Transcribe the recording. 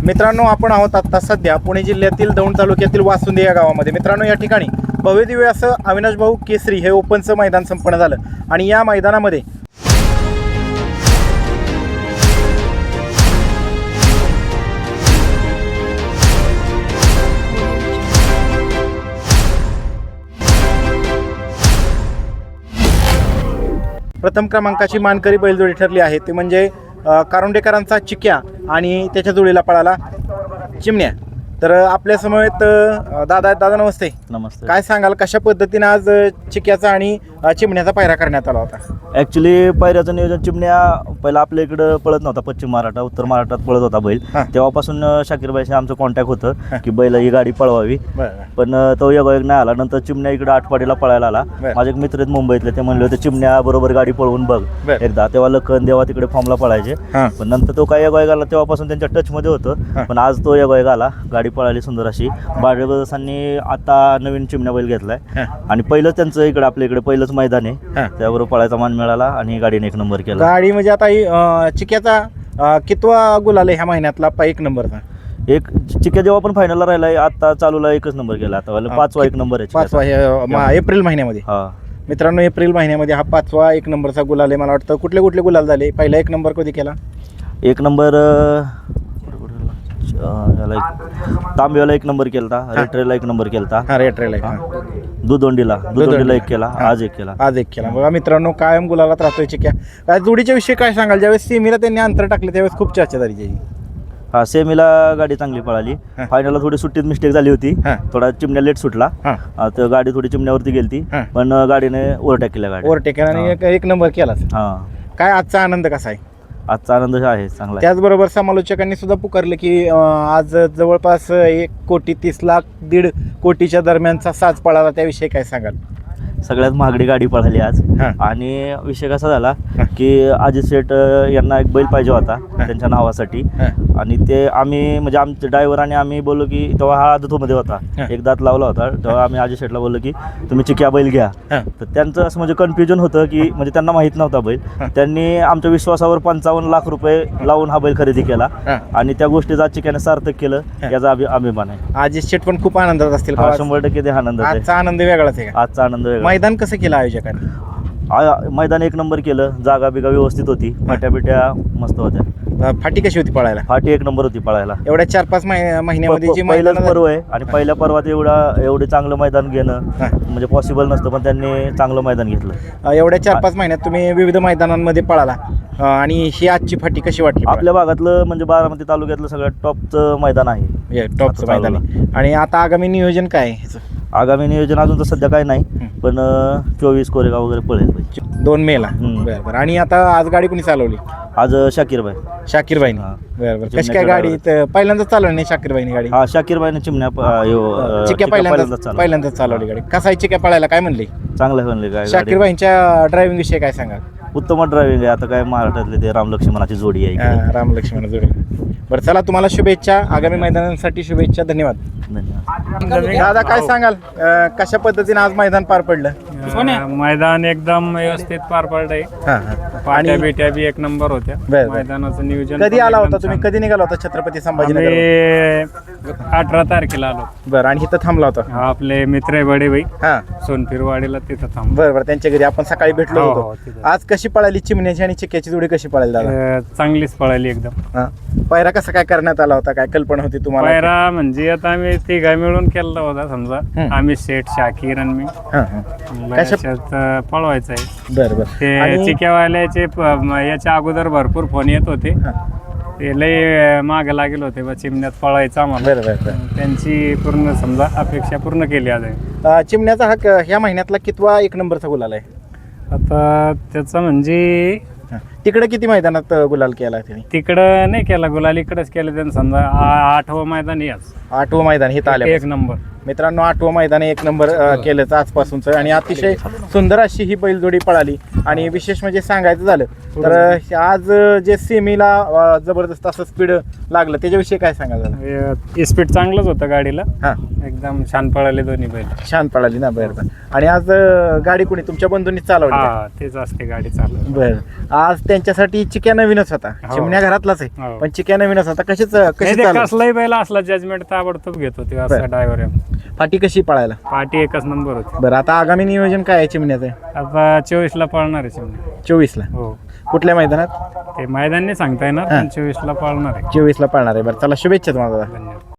मित्रांनो, आपण आहोत आता सध्या पुणे जिल्ह्यातील दौंड तालुक्यातील वासुंदे या गावामध्ये. मित्रांनो, या ठिकाणी भव्यदिव्य असं अविनाश भाऊ केसरी हे ओपनचं मैदान संपन्न झालं आणि या मैदानामध्ये प्रथम क्रमांकाची मानकरी बैलजोडी ठरली आहे, ते म्हणजे कारुंडेकरांचा चिक्या आणि त्याच्या जोडीला पळाला चिमण्या. तर आपल्या समवेत दादा नमस्ते. नमस्ते. काय सांगाल, कशा पद्धतीने आज चिक्याचा आणि चिमण्याचा पायरा करण्यात आला होता? ॲक्च्युली पायऱ्याचं नियोजन चिमण्या पहिला आपल्या इकडं पळत नव्हता, पश्चिम महाराष्ट्र उत्तर महाराष्ट्रात पळत होता बैल. तेव्हापासून शाकीरबाईशी आमचं कॉन्टॅक्ट होतं की बैल ही गाडी पळवावी, पण तो योगायोग नाही आला. नंतर चिमण्या इकडे आठवाडीला पळायला आला. माझे एक मित्र आहेत मुंबईतले, ते म्हणले होते चिमण्या बरोबर गाडी पळवून बघ एकदा. तेव्हा लखन देवा तिकडे फॉर्मला पळायचे, पण नंतर तो काय योगायोग आला तेव्हापासून त्यांच्या टचमध्ये होतं. पण आज तो योगायोग आला, गाडी पळाली सुंदर अशी. बाळेबदासांनी आता नवीन चिमण्या बैल घेतलाय आणि पहिलंच त्यांचं इकडे आपल्या इकडे पहिलंच मैदान आहे, त्याबरोबर पळायचा मान मिळाला आणि गाडीने 1 नंबर केला. गाडी म्हणजे आता चिक्याचा कितवा गुलाल आहे ह्या महिन्यातला? 1 नंबरचा. एक चिक्या जेव्हा पण फायनलला राहिलाय, आता चालूला 1च नंबर केला. आता 5वा 1 नंबर आहे. 5वा एप्रिल महिन्यामध्ये. हा मित्रांनो, एप्रिल महिन्यामध्ये हा 5वा 1 नंबरचा गुलाल आहे. मला वाटतं कुठले गुलाल झाले? पहिला 1 नंबर कधी केला? 1 नंबर तांब्याला 1 नंबर केला, रेट्रेला 1 नंबर केला, रेट्रेला दुधोंडीला 1 केला, आज 1 केला. बघा मित्रांनो, कायम गुलालात राहतोय चिक्या. काय जोडीच्या विषयी काय सांगाल? ज्यावेळेस सेमीला त्यांनी अंतर टाकले त्यावेळेस खूप चर्चा झाली त्याची. हा, सेमीला गाडी चांगली पळाली. फायनलला थोडी सुट्टीत मिस्टेक झाली होती, थोडा चिमण्या लेट सुटला, तर गाडी थोडी चिमण्यावरती गेली, पण गाडीने ओव्हरटेक केला आणि 1 नंबर केला. हा, काय आजचा आनंद कसा आहे? आजचा आनंद आहे चांगला. त्याचबरोबर समालोचकांनी सुद्धा पुकारले की आज जवळपास 1,30,00,000 1.5 कोटीच्या दरम्यानचा साज पळाला, त्याविषयी काय सांगाल? सगळ्यात महागडी गाडी पळाली आज. आणि विषय कसा झाला की अजित शेठ यांना एक बैल पाहिजे होता त्यांच्या नावासाठी, आणि ते आम्ही म्हणजे आमचे ड्रायव्हर आणि आम्ही बोललो की तेव्हा हा आदतमध्ये होता, 1 दात लावला होता, तेव्हा आम्ही अजित शेठला बोललो की तुम्ही चिक्या बैल घ्या. तर त्यांचं असं म्हणजे कन्फ्युजन होतं की म्हणजे त्यांना माहीत नव्हता बैल. त्यांनी आमच्या विश्वासावर 55 लाख रुपये लावून हा बैल खरेदी केला आणि त्या गोष्टीचा चिक्याने सार्थक केलं, याचा अभिमान आहे. अजित शेठ पण खूप आनंदात असतील. 100% ते आनंद आहे. आजचा आनंद वेगळाच आहे. आजचा आनंद वेगळा. मैदान कसं केलं आयोजकांनी? मैदान 1 नंबर केलं, जागा बिगा व्यवस्थित होती, फाट्या बिट्या मस्त होत्या. फाटी कशी होती पळायला? फाटी 1 नंबर होती पळायला. एवढ्या 4-5 महिन्यामध्ये जे पहिलंच पर्व आहे आणि पहिल्या पर्वात एवढे चांगलं मैदान घेणं म्हणजे पॉसिबल नसतं, पण त्यांनी चांगलं मैदान घेतलं. एवढ्या 4-5 महिन्यात तुम्ही विविध मैदानांमध्ये पळाला आणि ही आजची फाटी कशी वाटली? आपल्या भागातलं म्हणजे बारामती तालुक्यातलं सगळ्यात टॉपचं मैदान आहे. टॉपचं मैदान आहे. आणि आता आगामी नियोजन काय आहे? आगामी नियोजन अजून तर सध्या काही नाही, पण 24 कोरेगाव वगैरे पळेल 2 मेला. बरं. आणि आता आज गाडी कोणी चालवली? आज शाकीरबाईनी. बरोबर. कशी काय गाडी? पहिल्यांदाच चालवली नाही शाकीरबाईनी गाडी? हा, शाकीरबाईने चिमण्या चिक्या पहिल्यांदाच चालवली गाडी. कसा आहे चिक्या पळायला? काय म्हणले? चांगलं म्हणले. काय शाकीरबाईंच्या ड्रायव्हिंग विषयी काय सांगा? उत्तम ड्रायव्हिंग आहे. आता काय महाराष्ट्रातले ते रामलक्ष्मणाची जोडी आहे. रामलक्ष्मण जोडी. बरं, चला, तुम्हाला शुभेच्छा, आगामी मैदानांसाठी शुभेच्छा. धन्यवाद. दादा, काय सांगाल, कशा पद्धतीने आज मैदान पार पडलं? मैदान एकदम व्यवस्थित पार पडलंय. पाट्या बेट्या बी 1 नंबर होत्या. मैदानाचं नियोजन कधी आला होता तुम्ही? कधी निघाला होता छत्रपती संभाजीनगर? 18 तारखेला आलो. बरं. आणि इथं थांबला होता? आपले मित्र आहे बडे भाई, सोनफिरवाडीला, तिथं थांबलो. बरं. त्यांच्या घरी आपण सकाळी भेटलो होतो. आज कशी पळाली चिमण्याची आणि चिक्याची जोडी कशी पळाली दादा? चांगलीच पळाली एकदम. पायरा कसा काय करण्यात आला होता? काय कल्पना होती तुम्हाला? पायरा म्हणजे आता आम्ही तिघा मिळून केला होता, समजा आम्ही शेठ, शाकीर आणि मी. पळवायचं आहे. बरं. ते चिक्यावाल्याचे याच्या अगोदर भरपूर फोन येत होते, ते लय माग लागेल होते बा चिमण्यात पळायचं आम्हाला. त्यांची पूर्ण समजा अपेक्षा पूर्ण केली आज. चिमण्याचा हा ह्या महिन्यातला कितवा 1 नंबरचा गुलाल आहे? आता त्याचा म्हणजे तिकडे किती मैदानात गुलाल केला त्याने? तिकडं नाही केला गुलाल, इकडेच केलं त्यांनी. समजा 8वं मैदान याच. 8वं मैदान हे आले 1 नंबर. मित्रांनो, 8वं मैदान 1 नंबर केलं आजपासूनच. आणि अतिशय सुंदर अशी ही बैलजोडी पळाली. आणि विशेष म्हणजे सांगायचं झालं तर आज जे सेमीला जबरदस्त असं स्पीड लागलं, त्याच्याविषयी काय सांगायचं? स्पीड चांगलंच होतं गाडीला. एकदम छान पळाले दोन्ही बैल. छान पळाली ना? बरं. आणि आज गाडी कोणी तुमच्या बंधूंनी चालवली? तेच असते गाडी चालवली. बरं. आज त्यांच्यासाठी चिक्या नवीनच होता, हो. चिमण्या घरातलाच आहे हो. पण चिक्या नवीनच होता. कशी नाही, ते चालू कसलाही बैल असला जजमेंट ताबडतोब घेत होते असं ड्रायव्हर. पाठी कशी पळायला? पार्टी एकच नंबर होती. बरं आता आगामी नियोजन काय आहे चिमण्याचं? आता 24ला पळणार आहे चिमण्या. 24ला हो, कुठल्या मैदानात? ते मैदान नाही सांगता येणार, पण 24ला पळणार आहे. 24ला पळणार आहे. बरं चला, शुभेच्छा तुम्हाला दादा. धन्यवाद.